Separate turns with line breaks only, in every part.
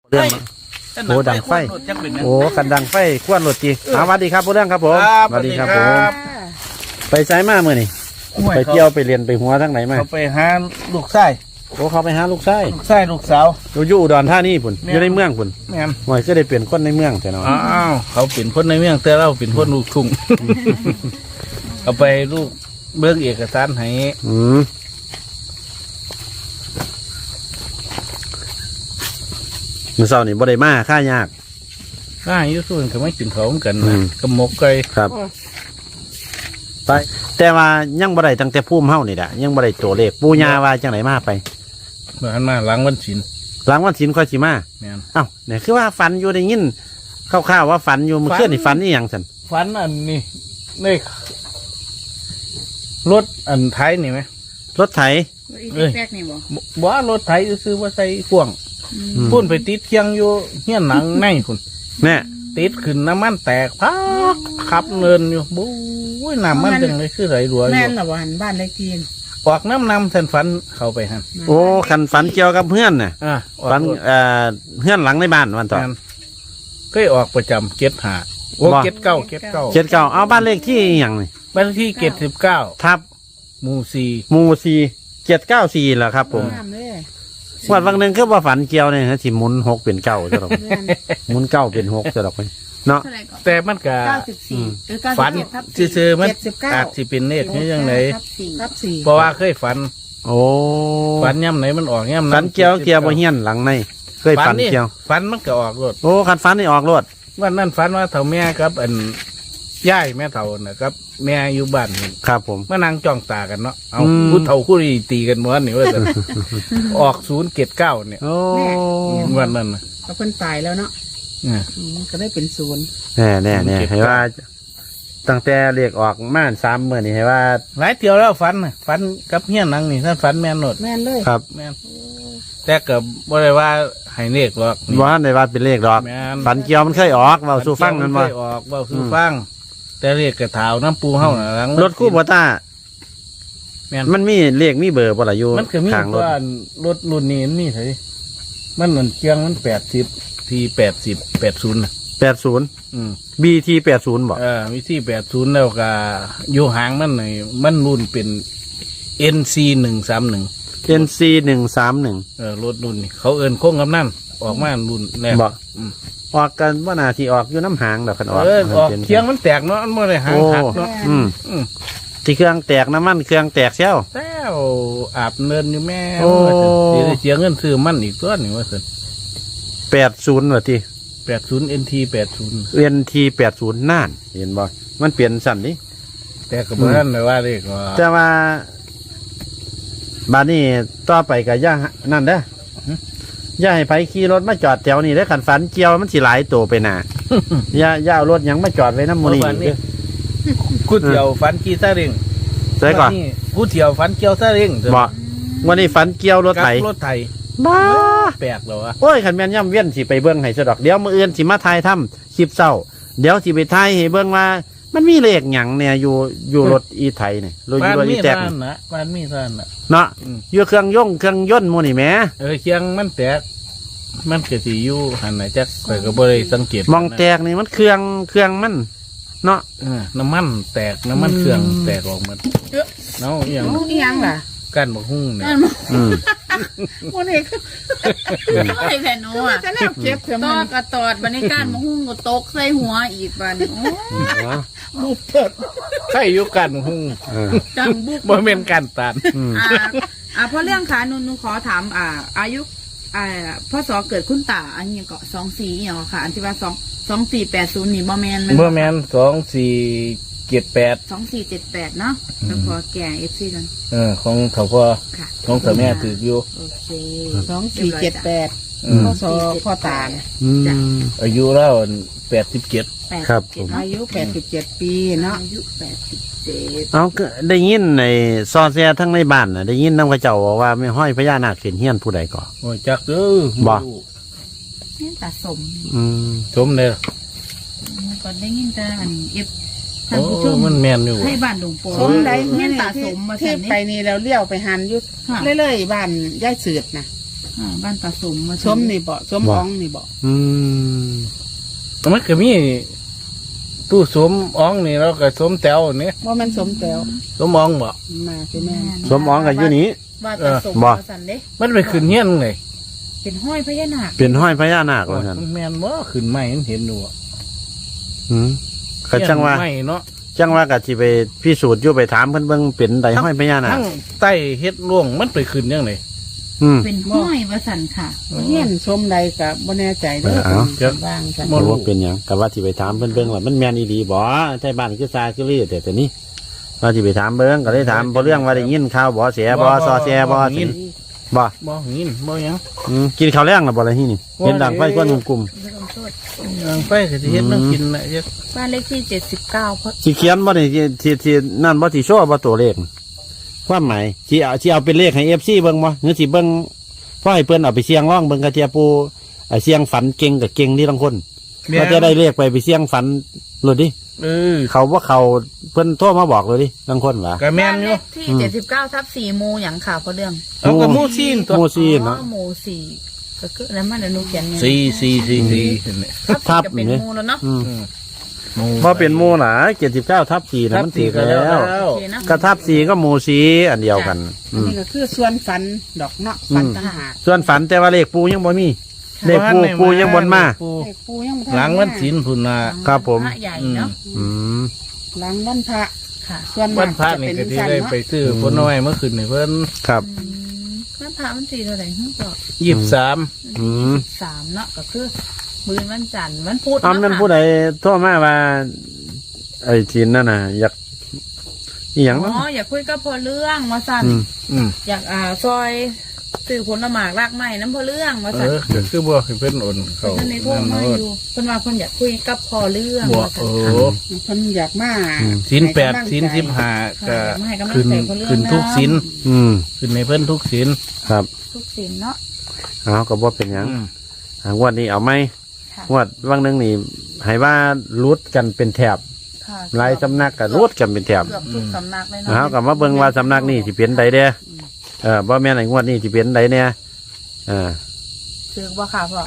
เรื่องโอ้ดังไฟโอ้กันดังไฟควนรถจีสวัสดีครับผู้เรื่องครับผมสวัสดีครับผมไปไซมาเมื่อนี่ไปเที่ยวไปเรียนไปหัวทั้งไหนมา
เขาไปหาลูกชาย
โอ้เขาไปหาลูกชาย
ลูกสาว
อยู่อุดรธานีพุ่นอยู่ในเมืองพุ่น
แม่น
หน่อยก็ได้เปลี่ยนคนในเมืองแต่เนาะ
อ้าวเขาเป็นคนในเมืองแต่เราเป็นคนลูกทุ่ง เอาไปลูกเบื้องเอกสารให้
มื้อเช้านี่บ่ได้มาค่ายาก
ข้าอยู่ส่วนก็ไม่กินเขาเหมือนกันนะกับหมกไก่
ครับไปแต่ว่ายังบ่ได้ตั้งแต่พุ่มเฮานี่แหละยังบ่ได้ตัวเลขปู่ย่าว่าจังไหนมาไป
เมื่อหันมาหลังวันศิล
หลังวันศีลค่อยสิมา
แม่น
เอ้าเนี่ยคือว่าฝันอยู่ได้ยินคร่าวๆว่าฝันอยู่เมื่อคืนนี่ฝันอีหยังซั่น
ฝันอันนี้ในรถอันไทยนี่ไหม
รถไถ
อีกแรกนี่บ่
บ่ว่ารถไทยซื้อว่าใส่พ่วงพุ่นไปติดเคียงอยู่เฮี้ยนหนังในคุณ
แน่
ติดขึ้นน้ำมันแตกพักขับเนินอยู่บู๊ยน้ำมันจังเลยคือไหลรัวอ
แม่
ยู่
นละวันบ้านเลขที่
ออกน้ำสันฝันเข้าไปหัน
โอ้คันฝันเกี่ยวกับเพื่อนน่ะ
ออก
ฝัน
รถ
เพื่อนหลังในบ้านวันต่อ
แม่นเคยออกประจำเก็ดหาโอ้
บ่
เก็ดเก้าเก็ดเก้า
เจ็ดเก้าเอาบ้านเลขที่อหย่างนี่
บ้านเลขที่เก็ด19
ทับ
หมู่สี่
หมู่สี่794เหรอครับผม
งามเลย
วันวันหนึ่งคือว่าฝันเกี่ยวเนี่ยนะที่หมุน6เป็น9จะหรอก
แม่น
หมุน9เป็น6จะหรอกไปเนาะ
เท่าไหร่ก่อน
แต่มันก็
94หรือ
ฝัน
97ทับ
ซื่อๆมัน
79
อาจสิเป็นเลขนี้ยังไง
ทับ4
เพราะว่าเคยฝัน
โอ้
ฝันย่ำไหนมันออกย่ำนั้น
ฝันเกี่ยวบ่เฮียนหลังในเคยฝัน
นี่
เกี่ยว
ฝันมันก็ออกรถ
โอ้คันฝันนี่ออกรถ
วันนั้นฝันว่าเถ่าแม่ครับอันย่ายแม่เถ่านะครับ แม่อยู่บ้านนี่
ครับผม
มานั่งจ้องตากันเนาะเอา
อืม
ผู้เฒ่าคู่นี้ตีกันม้วนนี่ว่าแต่ ออก079เนี่ย
โอ้
วันนั้นนะ
เขาเพิ่นตายแล้วเนาะก็ได้เป็นศูนย์
แน่แน่แน่ให้ว่า ตั้งแต่เรียกออกม่าน3เมื่อนี่ให้ว่า
หลายเที่ยวแล้วฝันน่ะฝันกับเฮียนังนี่ท่านฝันแม่นโนด
แม่นเลย
ครับ
แม่นแต่ก็บ่ได้ว่าให้เลขหรอกนี่
ว่าในว่าเป็นเลขดอก
แม่น
ฝันเกี่ยวมันเคยออกเบาสู่ฟังกันว่า
เคยออกเว้าสู่ฟัง แต่เลขกระถาวน้ำปูเฮาน่ะหลัง
รถคู่บัวต้า
แม่น
มันมีเลขมีเบอร์บ่ล่ะอยู่
มันก็มี
ข้างรถ
ว่ารถรุ่นนี้มันมีเท่าไหร่มันเหมือนเกียงมัน80ที80น่ะ
80
อืม
BT 80บ่
วิธี80แล้วก็อยู่หางมันหน่อยมันรุ่นเป็น NC 131
NC 131
รถรุ่นนี่เขาเอินโค้งกำนั่นออกมารุ่นแรก
บ่
อืม
ออกกันว่านาทีออกอยู่น้ำหางดอกคันออก
ออกเคียงมันแตกเนาะมันไม่ได้หางหักเนาะ
อืม
อืม
ที่เครื่องแตกน้ำมันเครื่องแตกเชี่ยว
แล้วอาบเนินอยู่แม่
โอ้
ว่าจะเสียเงินซื้อมันอีกตัวหนึ่งว่าสิ
80ว่าที่
80 NT 80
NT 80น่านเห็นบ่มันเปลี่ยนสั่นนี่
แต่ก็บ่ทันได้ว่าเลขว่า
แต่ว่าบาดนี้ต่อไปก็ย่านั่นเด้อย่าให้ไผขี่รถมาจอดแถวนี้เด้อคันฝันเกี่ยวมันสิหลายตัวไปหน่ะ อย่าเอารถหยังมาจอดไว้น้ำมูนี่
วันนี้กูเที่ยวฝันขี่ซาเล้ง
ใช่ก่อน
วันนี้กูเที่ยวฝันเกี่ยวซาเล้ง
บ่วันนี้ฝันเกี่ยวรถไถ
กับรถไถ
บ้า
แปลกเหรอวะ
โอ้ยขันแม่นย่ำเวียนสิไปเบิ้งให้สะดอกเดี๋ยวมื้ออื่นสิมาทายถ้ำคลิปเศร้าเดี๋ยวสิไปทายให้เบิ้งว่า มันมีเลขหยังเนี่ยอยู่รถอีไทยเนี่ยรถ
บ้าน
อี
มี
แตก
ท่านนะบ้านมีท่านนะ
เนาะ
อืม
อยู่เครื่องยนต์หมูนี่แหม
เคียงมันแตกมันก็สิอยู่หันไหนจักข่อยก็บ่ได้สังเกต
มองแตกนี่มันเครื่องมันเนาะ
น้ำมันแตกน้ำมันเครื่องแตกออกหมดเนาะอหย่าง
โอ้อีหยังล่ะ
กันบักหุ่งเนี่ย
นั่นบ่
อืม
บ่ได้
ไอ้แผ่นโน้อะ
จะแนวเก็บเถอะ
ต
มั
อน กระตอดบันในการมาหุ้งก็ตกใส่หัวอีกบัดนโอ้
บุบเปิด
ใช่อยู่กันบักหุ่ง
เออ
จังบุก
บ่เป็นการตัด
อืม
เพราะเรื่องขาหนูขอถามอายุพ่อสอเกิดคุณตาอันนี้ก็24อย่างค่ะอันที่ว่า2480นี่บ่แมน
เมื่อแมน2478
2478เนาะแล้วขอแก่ FC กัน
ของเขาพ่อ
ค่ะ
ของเสาแม่ถืออยู่
โอเค
2478
อืม
พ่อสอพ่อตา
อืม
อายุแล้ว87
ครับผม
อายุ87ปีเนาะ
อายุ87
เอาก็ได้ยินในซอแซทั้งในบ้านน่ะได้ยินนำกระเจ้าบอกว่าไม่ห้อยพญานาคขึ้นเฮียนผู้ใดก่อ
โอ้ยจักเด้อ
บ่
เนี่ยตาสม
อืม
ชมเด้อ
ก็ได้ยินแต่อันท่า
โอ้
นผู้ชม
มันแม่นอยู่
ให้บ้านหลวงปู่
สมใด
เงี้ยตาสมมา
ที่
สั่น
ไป
นี่
นี่เราเลี้ยวไปหันอยุด
ค่ะ
เรื่อยๆบ้านย่ายเสือดนะ
บ้านตาสมมา
สมนี่บ่สมอ๋องนี่บ่
อืม
มันก็มีตู้สมอ๋องนี่แล้วก็สมแตวนี่
ว่ามันสมแต้ว
สมอ๋องบ่
มาคือแม่
สมอ๋องกับอยู่นี้
บ้านตาสม
บ่
มาสันเด้
มันไปขึ้นเงี้ยนเลย
เป็นห้อยพญานาค
เป็นห้อยพญานาคว่าซั่น
แม่นบ่ขึ้นไม้มันเห็นอยู่อะ
อืมก็จังว่า
ไม่เนาะ
จังว่าก็สิไปพิสูจน์อยู่ไปถามเพิ่นเบิ่งเป็นใดห้อยพญานาค
ทั้งใต้เฮ็ดร่วงมันไปขึ้นยังไง
อืม
เป็นห้อยว่าสันค่ะ
เฮียนสมใดก็บ่แน่ใจเด้อ
เอา
เป็นบ้างกัน
บ่
บ่รู้เป็นหยังก็ว่าสิไปถามเพิ่นเบิ่งว่ามันแม่นอีหลีบ่ใช่บ้านคือซาคือลือแต่นี้ว่าสิไปถามเบิ่งก็เลยถามบ่เรื่องว่าได้ยินข่าวบ่เสียบ่ซอแซบ่สิบ่
บ่หินบ่หยัง
กินข้าวแรงแล้วบ่ล่ะที่นี่เห็นดังไฟกวนกลุ่ม
ไม่ต้องโทษ
ยังไปก็สิเฮ็ดแน้กินน่ะเฮ็ด
บ้านเลขที่79เพราะ
สิเขียนบ่นี่สินั่นบ่สิโชว์บ่ตัวเลขความหมายสิเอาเป็นเลขให้ FC เบิ่งบ่หรือสิเบิ่งพอให้เพิ่นเอาไปเสี่ยงร้องเบิ่งกะเทียปูเสี่ยงฝันเก่งกับเก่งนี่ทั้งคนก็จะได้เลขไปเสี่ยงฝันโลดดิ เขาว่าเขาเพิ่นโทรมาบอกเลยดิทั้งคนว่า
ก็แม่
บ้าน น
อ
เล
ยู่
ขที่79/4หมู่หยังค่ะเพราะเรื่อง
เอาก็หมู่ซีนตัว
หมู่ซีนเนาะ
หมู่สี่ก็คือแล้วมันอนุเขียนไง
สี่เนี่ย
ทับสี่ก็เป็นหมู่แล้วเนาะ
อืม
หมู่
พอเป็นหมู่หนา79/4นะมันถือแล้ว
โอเคนะ
กระทับ4ก็หมู่สีอันเดียวกัน
อันนี้ก็คือส่วนฝันดอกเนาะฝันต่างหาก
ส่วนฝันแต่ว่าเลขปูยังบ่มีเลขปูยังบ่มา
ปู
เลขปูยังบ่ทั
หลังวันศีลพุ่นน่ะ
ครับผม
พระใหญ่เนาะ
อืม
หลังวันพระ
ค่ะ
ส่วน
วั
มาน ก
พระ
จะ
นี่
เป็น
ก็สิ
สั้น
ได้
เนาะ
ไปซื้อผลน้อยเมื่อคืนนี่เพิ่น
ครับ
วันพระมันสี่เท่าไหร่ฮึ่งบอก
23
อืม
3เนาะก็คือมื้อวันจันทร์วันพุธ
อ้ำนั้นผู้ใดโทรมาว่าไอ้จีนนั่นน่ะอยากอีหยัง
อ๋
เนาะ
ออยากคุยกับพอเรื่องว่าสั่น
อืม
อืม
อยากซอยสื่อผลหมากรากไม้น้ำพอเรื่องว่าสั่น
ก็คือบ่ให้เพิ่นโอนเข้า
เพิ่นในโทรมาอยู่เพิ่นว่าเพิ่นอยากคุยกับพอเรื่อง
บ่
ว่าสั่
โอ้
เพิ่นอยากมา
ศีล
ให้กำลัง
8ศีล
ใจ
15ก็
ให้กำลัง
ขึ้น
ใจพอเรื่อง
ขึ้นทุกศีล
อืม
ขึ้นในเพิ่นทุกศีล
ครับ
ทุกสินเนาะ
เอาก็บ่เป็นหยัง
อืม
งวดนี้เอาไหม
ค่ะ
งวดวังหนึงนี่ให้ว่ารุดกันเป็นแถบ
ค่ะ
หลายสำนักก็รุดกันเป็นแถบ
เกือบทุกสำนักเลย
เอา
เนาะ
กับมาเบิ่งว่าสำนักนี่สิเป็นใดเด้บ่แม่นไอ้งวดนี้สิเป็นใดเนี่ยเออ
ซื้อบ่ค่ะพ่อ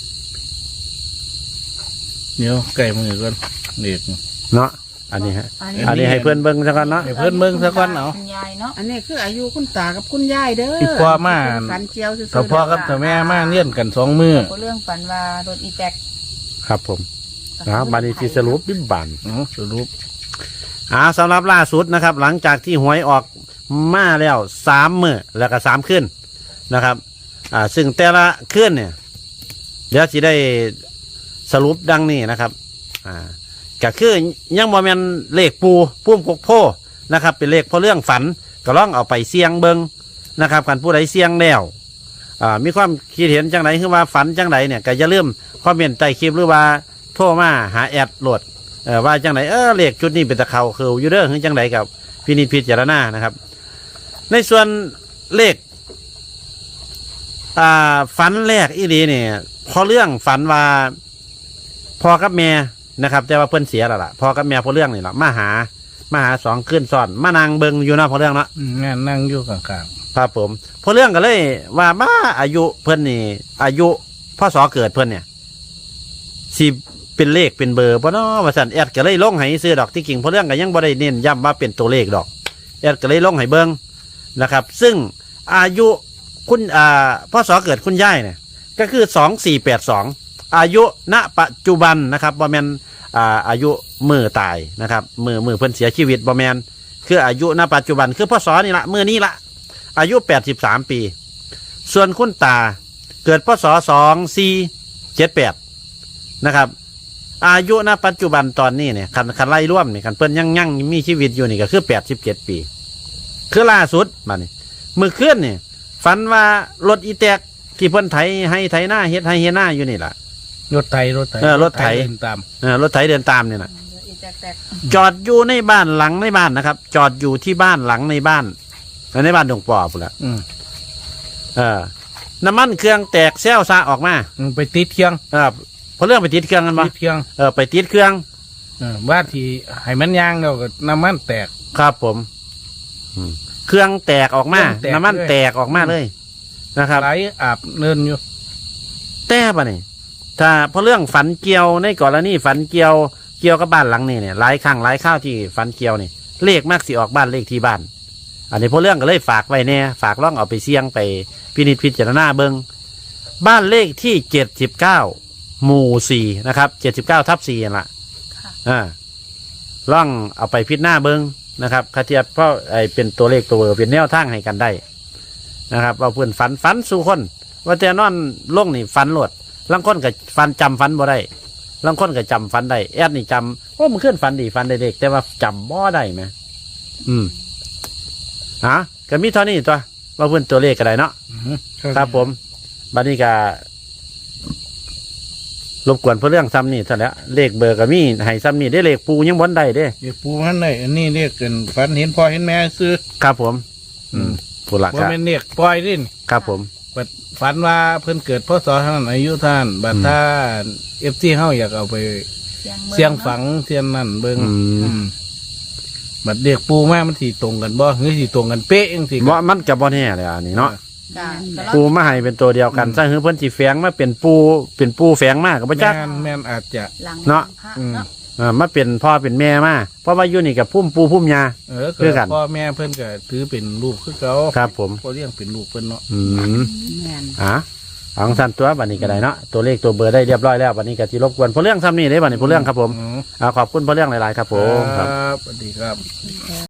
เดี๋ยวไก่มือก่อนเด็ก
เนาะอันนี้ฮะ
อันนี้
อันนี้ให้เพื่อนเบิ่งซะก่อนเนาะ
ให้เพิ่นเบิ่งซะก่อนเอา
คุณยายเนาะ
อันนี้คืออายุคุณตากับคุณยายเด้อ
ที่พ่อมา
ฝันเจียวซื่อๆ
ถ้าพ่อกับถ้าแม่มาเลี้ยนกัน2มื้อ
พอเรื่องฝันว่ารถอีแจ็ค
ครับผมบานี้สิสรุปบิบบาน
สรุป
สำหรับล่าสุดนะครับ หลังจากที่หวยออกมาแล้ว3 มื้อแล้วก็3 คืนนะครับซึ่งแต่ละคืนเนี่ยเดี๋ยวสิได้สรุปดังนี้นะครับก็คือยังบ่แม่นเลขปูพุ่มกกโพนะครับ เป็นเลขพอเรื่องฝันก็ลองเอาไปเสี่ยงเบิงนะครับกันผู้ใดเสี่ยงแล้วมีความคิดเห็นจังไหนคือว่าฝันจังไหนเนี่ยก็อย่าลืมคอมเมนต์ใต้คลิปหรือว่าโทรมาหาแอดโหลดว่าจังไหนเลขชุดนี้เป็นตะเขาคืออยู่เด้อคือจังไหนกับพินิจพิจารณานะครับ ในส่วนเลขฝันแรกอีหลีเนี่ยพอเรื่องฝันว่าพ่อกับแม่นะครับ แต่ว่าเพิ่นเสียแล้วล่ะพ่อกับแม่พอเรื่องนี่แหละมาหา2 คืนซ้อนมานางเบิงอยู่เนาะพอเรื่องเนาะ
งานนั่งอยู่ข้าง
ครับผมพอเรื่องก็เลยว่าบ้าอายุเพิ่นนี่อายุพ่อสอเกิดเพิ่นเนี่ยสิเป็นเลขเป็นเบอร์บ่เนาะว่าซั่นแอดก็เลยลงให้ซื้อดอกที่กิ่งพอเรื่องก็ยังบ่ได้เน้นย้ำว่าเป็นตัวเลขดอกแอดก็เลยลงให้เบิ่งนะครับ ซึ่งอายุคุณพ่อสอเกิดคุณยายเนี่ยก็คือ2482อายุณปัจจุบันนะครับบ่แม่นอายุมือตายนะครับมือเพิ่นเสียชีวิตบ่แม่นคืออายุณปัจจุบันคือพ่อสอนี่ละมื้อนี้ละอายุ83 ปีส่วนคุณตาเกิดพศ2478นะครับอายุณปัจจุบันตอนนี้เนี่ยคันไล่ร่วมเนี่ยคันเพิ่นยังมีชีวิตอยู่นี่ก็คือ87 ปีคือล่าสุดบัดนี้มื้อคืนนี่ฝันว่ารถอีแตกที่เพิ่นไถให้ไถหน้าเฮ็ดให้เฮ็ดหน้าอยู่นี่ล่ะ
รถไถ
รถไถ
เดินตาม
รถไถเดินตามเนี่ยนะ
อีแจ็คแตก
จอดอยู่ในบ้านหลังในบ้านนะครับ จอดอยู่ที่บ้านหลังในบ้านในบ้านดงปอพุ่นละ
อืม
น้ำมันเครื่องแตกแซวซาออกมา
ไปติดเครื่อง
เพราะเรื่องไปติดเครื่องกันปะ
ติดเครื่อง
ไปติดเครื่อง
ว่าที่ให้มันยางแล้วก็น้ำมันแตก
ครับผมเครื่องแตกออกมา
เครื่องแตก
น้ำมันแตกออกมาเลยนะครับ
ไหลอาบเนินอยู่
แต่ปะนี่ถ้าเพราะเรื่องฝันเกี่ยวในกรณีฝันเกี่ยวกับบ้านหลังนี้เนี่ยหลายครั้งหลายข้าวที่ฝันเกี่ยวนี่เลขมากสิออกบ้านเลขที่บ้าน อันนี้เพราะเรื่องก็เลยฝากไว้แน่ฝากล่องเอาไปเสี่ยงไปพินิจพิจารณาเบิงบ้านเลขที่79 หมู่ 4นะครับ79/4นั่นล่ะ
ค่ะ
ล่องเอาไปพิจารณาเบิงนะครับคาเทียบเพราะไอเป็นตัวเลขตัวเบอร์เป็นแนวทางให้กันได้นะครับเอาเพื่อนฝันสู่คนว่าแต่นอนลงนี่ฝันหลดลังคนกับฝันจำฝันบ่ได้ลังคนกับจำฝันได้แอดนี่จำมันขึ้นฝันดีฝันได้เด็กแต่ว่าจำบ่ได้ไหมก็มีเท่านี้ตัวว่าเพื่อนตัวเลขก็ได้เนาะครับผมบัดนี้ก็รบกวนเพื่อเรื่องซ้ำนี่เท่านั้นเลขเบอร์ก็มีให้ซ้ำนี่ได้เลขปูยังบนได้เด้
เดี๋ยวปูมันได้อันนี้เรียกกันฝันเห็นพ่อเห็นแม่ซื้อ
ครับผมผู้หลัก
ว่าเป็นเรียกปล่อยดิน
ครับผม
บัดฝันว่าเพิ่นเกิดพศเท่านั้นอายุท่านบัดถ้าFTเฮาอยากเอาไปเสียงฝังเสียงนั่นเบิ่งบัดเรียกปูมามันสิตรงกันบ่หรือสิตรงกันเป๊ะจังซี่
ว่ามันกับบ่แน่เลยอันนี้เนาะ
จ้ะ
ปูมาให้เป็นตัวเดียวกันซะคือเพิ่นสิแฝงมาเป็นปูแฝงมากกับพระจัก
แม่นอาจจะ
หลัง
เนาะ
พระเนาะ
มาเป็นพ่อเป็นแม่มาเพราะว่าอยู่นี่กับพุ่มปูพุ่มยา
เกิดพ่อแม่เพิ่นก็ถือเป็นลูกคือเขา
ครับผม
พ่อเลี้ยงเป็นลูกเพิ่นเนาะ
แม่น
ของสันตัวบัดนี้ก็ได้เนาะตัวเลขตัวเบอร์ได้เรียบร้อยแล้วบัดนี้ก็สิรบกวนเพราะเรื่องซ้ำนี่ได้บัดนี้เพราะเรื่องครับผมขอบคุณเพราะเรื่องหลายๆครับผม
ครับสวัสดีครับ